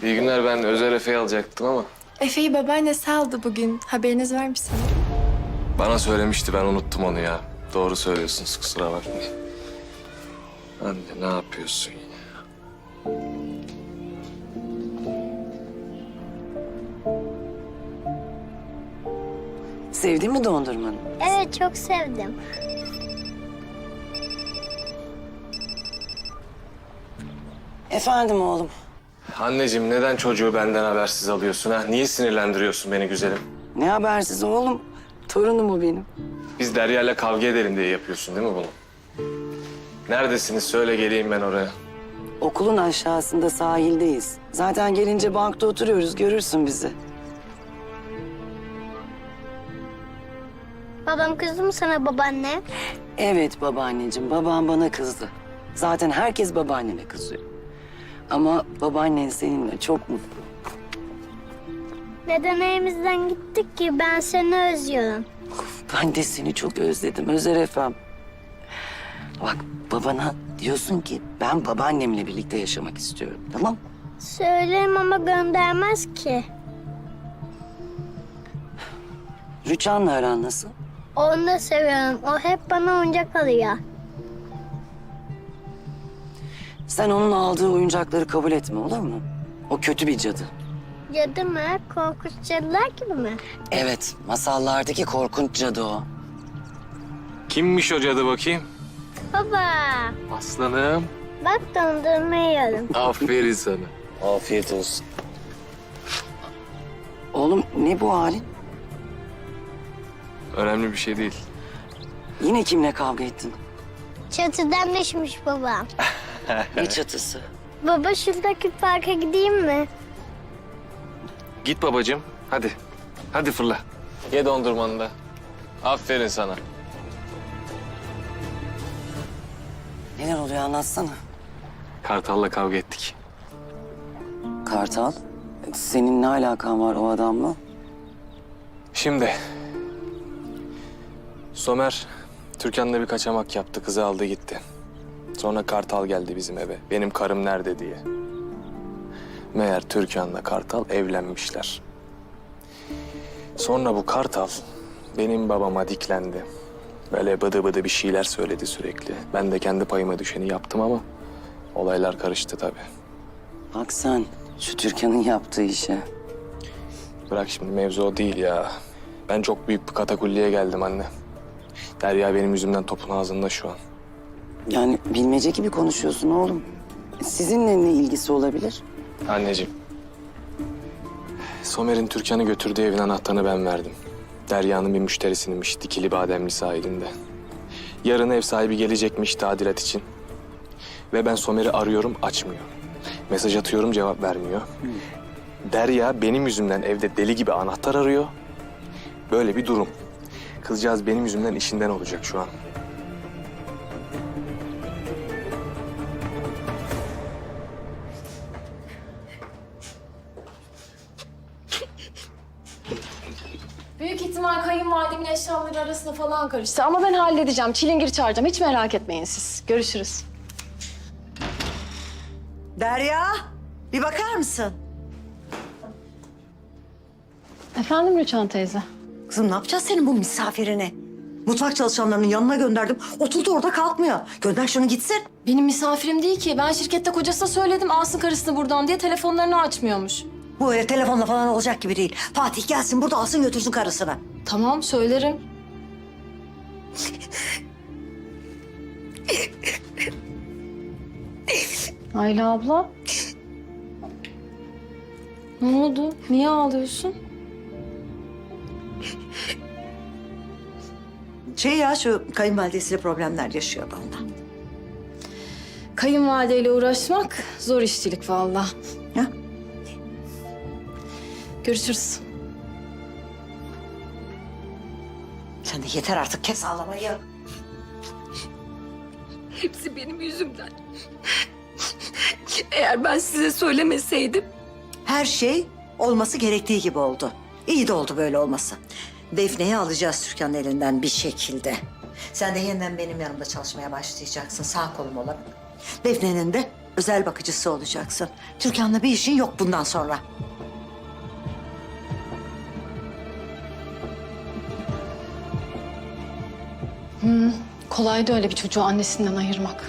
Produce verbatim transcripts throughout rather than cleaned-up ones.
İyi günler, ben Özer Efe'yi alacaktım ama... Efe'yi babaannesi aldı bugün. Haberiniz var mı sanırım? Bana söylemişti, ben unuttum onu ya. Doğru söylüyorsunuz, kusura bakmayın. Anne ne yapıyorsun ya? Sevdin mi dondurmanı? Evet, çok sevdim. Efendim oğlum. Anneciğim neden çocuğu benden habersiz alıyorsun ha? Niye sinirlendiriyorsun beni güzelim? Ne habersiz oğlum? Torunum o benim. Biz Derya'yla kavga edelim diye yapıyorsun değil mi bunu? Neredesiniz? Söyle geleyim ben oraya. Okulun aşağısında sahildeyiz. Zaten gelince bankta oturuyoruz, görürsün bizi. Babam kızdı mı sana babaanne? Evet babaanneciğim, babam bana kızdı. Zaten herkes babaannene kızıyor. Ama babaannen seninle çok mutlu. Neden evimizden gittik ki? Ben seni özlüyorum. Ben de seni çok özledim Özer Efem. Bak babana diyorsun ki ben babaannemle birlikte yaşamak istiyorum, tamam mı? Söylerim ama göndermez ki. Rüçhan'la aran nasıl? Onu da seviyorum. O hep bana oyuncak alıyor. Sen onun aldığı oyuncakları kabul etme, olur mu? O kötü bir cadı. Cadı mı? Korkunç cadılar gibi mi? Evet, masallardaki korkunç cadı o. Kimmiş o cadı bakayım? Baba, Aslanım. bak dondurma yiyorum. Aferin sana. Afiyet olsun. Oğlum ne bu halin? Önemli bir şey değil. Yine kimle kavga ettin? Çatıdan düşmüş babam. Ne çatısı? Baba şuradaki parka gideyim mi? Git babacığım, hadi. Hadi fırla. Ye dondurmanı da. Aferin sana. Neler oluyor anlatsana. Kartal'la kavga ettik. Kartal, senin ne alakan var o adamla? Şimdi... Somer, Türkan'la bir kaçamak yaptı. Kızı aldı gitti. Sonra Kartal geldi bizim eve. Benim karım nerede diye. Meğer Türkan'la Kartal evlenmişler. Sonra bu Kartal benim babama diklendi. Böyle bıdı bıdı bir şeyler söyledi sürekli. Ben de kendi payıma düşeni yaptım ama olaylar karıştı tabii. Bak sen şu Türkan'ın yaptığı işe. Bırak şimdi, mevzu o değil ya. Ben çok büyük bir katakulliye geldim anne. Derya benim yüzümden topun ağzında şu an. Yani bilmece gibi konuşuyorsun oğlum. Sizinle ne ilgisi olabilir? Anneciğim. Somer'in Türkan'ı götürdüğü evin anahtarını ben verdim. Derya'nın bir müşterisinmiş Dikili Bademli sahilinde. Yarın ev sahibi gelecekmiş tadilat için. Ve ben Somer'i arıyorum, açmıyor. Mesaj atıyorum, cevap vermiyor. Derya benim yüzümden evde deli gibi anahtar arıyor. Böyle bir durum. Kızcağız benim yüzümden işinden olacak şu an. Büyük ihtimal kayınvalidemin eşyaları arasında falan karıştı. Ama ben halledeceğim. Çilingir çağıracağım. Hiç merak etmeyin siz. Görüşürüz. Derya, bir bakar mısın? Efendim Rüçhan teyze? Kızım ne yapacağız senin bu misafirini? Mutfak çalışanlarının yanına gönderdim. Oturdu orada kalkmıyor. Gönder şunu gitsin. Benim misafirim değil ki. Ben şirkette kocasına söyledim alsın karısını buradan diye telefonlarını açmıyormuş. Bu öyle telefonla falan olacak gibi değil. Fatih gelsin burada alsın götürsün karısını. Tamam söylerim. Ayla abla. Ne oldu? Niye ağlıyorsun? Şey ya şu kayınvalidesiyle problemler yaşıyordu ondan. Kayınvalideyle uğraşmak zor işçilik vallahi. Ya? Görüşürüz. Sen de yeter artık kes ağlamayı. Hepsi benim yüzümden. Eğer ben size söylemeseydim... Her şey olması gerektiği gibi oldu. İyi de oldu böyle olması. Defne'yi alacağız Türkan'ın elinden bir şekilde. Sen de yeniden benim yanımda çalışmaya başlayacaksın. Sağ kolum olarak. Defne'nin de Özel bakıcısı olacaksın. Türkan'la bir işin yok bundan sonra. Kolaydı öyle bir çocuğu annesinden ayırmak.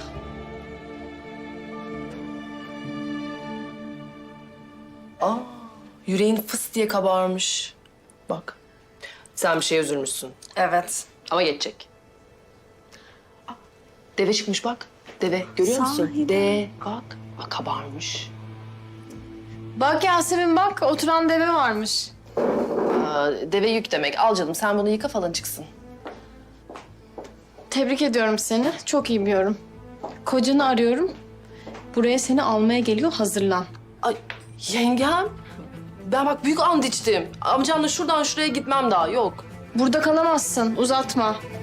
Aa, yüreğin fıs diye kabarmış. Bak, sen bir şeye üzülmüşsün. Evet. Ama geçecek. Aa, deve çıkmış bak. Deve, görüyor musun? De, bak. Bak kabarmış. Bak Yasemin bak, oturan deve varmış. Aa, deve yük demek. Al canım, sen bunu yıka falan çıksın. Tebrik ediyorum seni. Çok iyi bir yorum. Kocanı arıyorum. Buraya seni almaya geliyor, hazırlan. Ay, yengem. Ben bak büyük and içtim. Amcamla şuradan şuraya gitmem daha, yok. Burada kalamazsın, uzatma.